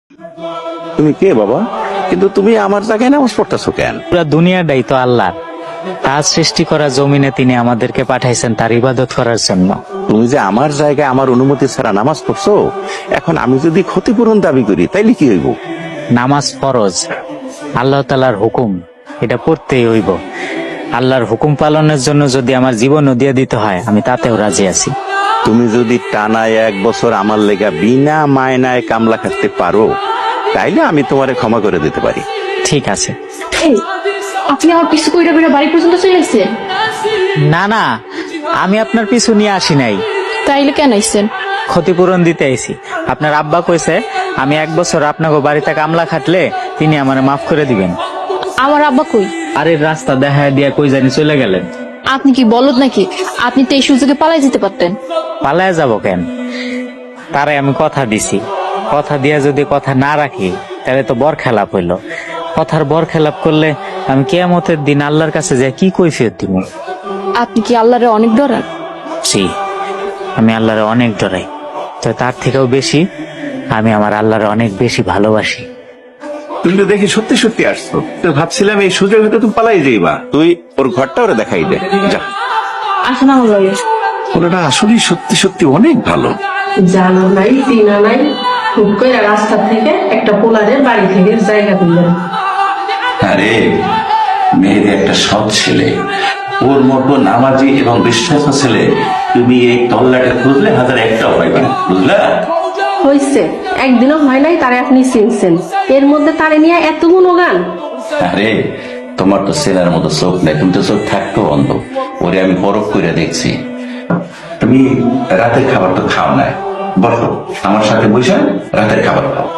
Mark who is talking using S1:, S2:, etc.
S1: তুমি কে বাবা? কিন্তু তুমি আমার জায়গায় নামাজ পড়তেছো কেন?
S2: পুরা দুনিয়াটাই তো আল্লাহ, তার সৃষ্টি করা জমিনে তিনি আমাদেরকে পাঠাইছেন তার ইবাদত করার জন্য।
S1: তুমি যে আমার জায়গায় আমার অনুমতি ছাড়া নামাজ পড়ছো, এখন আমি যদি ক্ষতিপূরণ দাবি করি তাইলে কি হইব?
S2: নামাজ ফরজ, আল্লাহ তাআলার হুকুম, এটা পড়তেই হইব। আল্লাহর হুকুম পালনের জন্য যদি আমার জীবনও দিয়ে দিতে হয়, আমি তাতেও রাজি আছি।
S1: তুমি যদি টানা 1 বছর আমার লেগা বিনা মায়নায় কামলা খাটতে পারো, তাইলে আমি তোমারে ক্ষমা করে দিতে পারি।
S2: ঠিক আছে।
S3: এই, আপনি আমার পিছু কইরা কইরা বাড়ি পর্যন্ত চলে আসছেন?
S2: না না, আমি আপনার পিছু নিয়ে আসি নাই,
S3: তাইলে কেন আইছেন?
S2: ক্ষতিপূরণ দিতে আইছি। আপনার আব্বা কইছে আমি 1 বছর আপনাকে বাড়িতে কামলা খাটলে তিনি আমারে মাফ করে দিবেন।
S3: আমার আব্বা কই?
S2: আরে রাস্তা দেখা দিয়া কই জানি চলে গেলেন।
S3: আপনি কি বলদ নাকি? আপনি তো এই সুযোগে পালাই যেতে পারতেন।
S2: পালায় যাব কেন? তারে আমি কথা দিছি, কথা দিয়া যদি কথা না রাখি তাহলে তো বরখেলাপ হইল। কথার বরখেলাপ করলে আমি কিয়ামতের দিন আল্লাহর কাছে যাই কি কৈফিয়ত দিব?
S3: আপনি কি আল্লাহরে অনেক ডরান?
S2: জি, আমি আল্লাহরে অনেক ডরাই, তো তার থেকেও বেশি আমি আমার আল্লাহরে অনেক বেশি ভালোবাসি।
S4: তুমি তো দেখি সত্যি সত্যি আসছো, তো ভাবছিলাম এই সুযোগ হয়তো তুমি পালাই যাইবা।
S1: তুই ওর ঘরটা ওরে দেখাই দে, যা।
S3: আসেন আমার লগে।
S4: ওটা আসলেই সত্যি সত্যি অনেক ভালো।
S5: জানো নাই চিনা নাই, হুট করে রাস্তা থেকে একটা পোলারের বাড়ি থেকে জায়গা দিলেন।
S4: আরে মেয়েদের একটা সৎ ছেলে, ওর মতো নামাজি এবং বিশ্বাস ছেলে তুমি এই তল্লাটে খুঁজলে 1001টাও পাইবে না, বুঝলা?
S5: হয়েছে, একদিনও হয় নাই তারে আপনি চিনছেন, এর মধ্যে তারে নিয়ে এত গুণগান।
S4: আরে তোমার তো ছেলের মতো চোখ নেই, তুমি তো চোখ থাকতো অন্ধ। ওরে আমি পরখ করে দেখছি। তুমি রাতের খাবার তো খাও না, বসো আমার সাথে বসে রাতের খাবার খাও।